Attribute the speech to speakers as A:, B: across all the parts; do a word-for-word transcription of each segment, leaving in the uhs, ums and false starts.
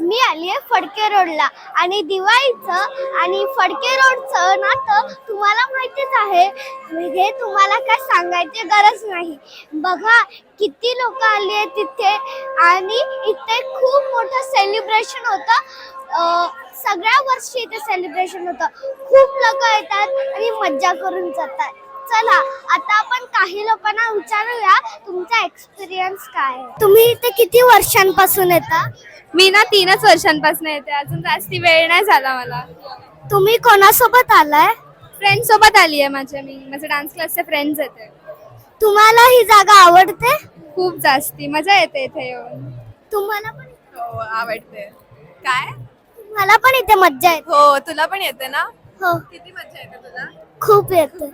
A: मी आली आहे फडके रोडला आणि दिवाळीचं आणि फडके रोडचं नातं तुम्हाला माहितीच आहे. हे तुम्हाला काय सांगायची गरज नाही. बघा किती लोक आली आहेत तिथे आणि इथे खूप मोठं सेलिब्रेशन होतं. सगळ्या वर्षी इथे सेलिब्रेशन होतं. खूप लोक येतात आणि मज्जा करून जातात. चला आता आपण काही लोकांना विचारूया तुमचा एक्सपिरियन्स काय आहे. तुम्ही इथे किती वर्षांपासून येता?
B: मी ना तीनच वर्षांपासून येते, अजून जास्ती वेळ नाही झाला मला.
A: तुम्ही कोणासोबत आलाय?
B: फ्रेंड सोबत आली आहे माझ्या, मी माझे डान्स क्लासचे फ्रेंड्स येते.
A: तुम्हाला ही जागा आवडते?
B: खूप जास्ती मजा येते इथे येऊन.
A: तुम्हाला पण?
B: हो आवडते. काय?
A: मला पण इथे मज्जा येते.
B: हो तुला पण येते ना?
A: हो
B: किती मजा येते तुला?
A: खूप येते.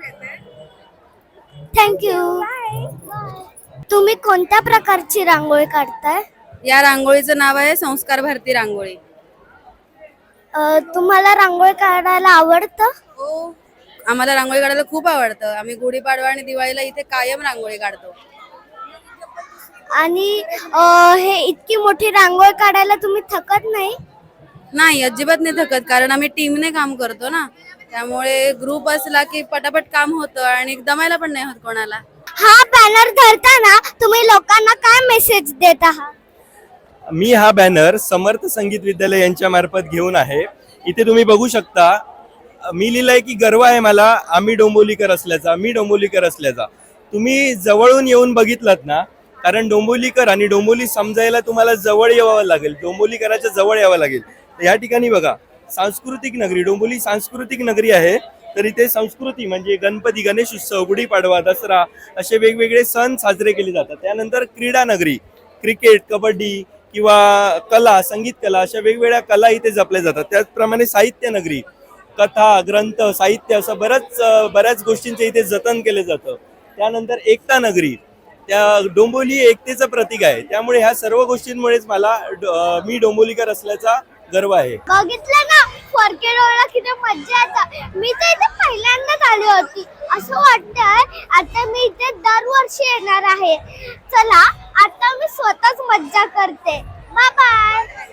A: थँक्यू. तुम्ही कोणत्या प्रकारची रांगोळी काढताय?
C: या रांगोळीचं नाव आहे संस्कार भारती रांगोळी.
A: अ, तुम्हाला रांगोळी काढायला आवडतं?
C: हो आम्हाला रांगोळी काढायला खूप आवडतं. आम्ही गुढीपाडवा आणि दिवाळीला इथे कायम रांगोळी काढतो.
A: आणि अ, हे इतकी मोठी रांगोळी काढायला तुम्ही थकत नाही?
C: नाही अजिबात नाही थकत, कारण आम्ही टीमने काम करतो ना, त्यामुळे ग्रुप असला की पटापट काम होतं आणि दमायला पण नाही होत कोणाला.
A: हा बॅनर धरताना तुम्ही लोकांना काय मेसेज देत आहात?
D: मी हा बॅनर समर्थ संगीत विद्यालय यांच्या मार्फत घेऊन आहे. इथे तुम्ही बघू शकता, मी लिहिलंय की गर्व आहे मला आम्ही डोंबिवलीकर असल्याचा, मी डोंबिवलीकर असल्याचा. तुम्ही जवळून येऊन बघितलात ना, कारण डोंबिवलीकर आणि डोंबिवली समजायला तुम्हाला जवळ यावं लागेल, डोंबिवलीकराच्या जवळ यावं लागेल. तर या ठिकाणी बघा, सांस्कृतिक नगरी, डोंबिवली सांस्कृतिक नगरी आहे. तर इथे संस्कृती म्हणजे गणपती, गणेश उत्सव, गुढीपाडवा, दसरा असे वेगवेगळे सण साजरे केले जातात. त्यानंतर क्रीडा नगरी, क्रिकेट, कबड्डी किंवा कला, संगीत कला अशा वेगवेगळ्या कला इथे जपल्या जातात. त्याचप्रमाणे साहित्य नगरी, कथा, ग्रंथ, साहित्य असं बऱ्याच बऱ्याच गोष्टींचे इथे जतन केलं जातं. त्यानंतर एकता नगरी, त्या डोंबिवली एकतेचं प्रतीक आहे. त्यामुळे ह्या सर्व गोष्टींमुळेच मला मी डोंबिवलीकर असल्याचा गर्व आहे.
A: बघितलं ना फडके रोडला किती मज्जा येते. मी तर इथे पहिल्यांदाच आली होती. असं वाटतंय आता मी इथे दरवर्षी येणार आहे. चला आता मी स्वतःच मज्जा करते. Bye bye.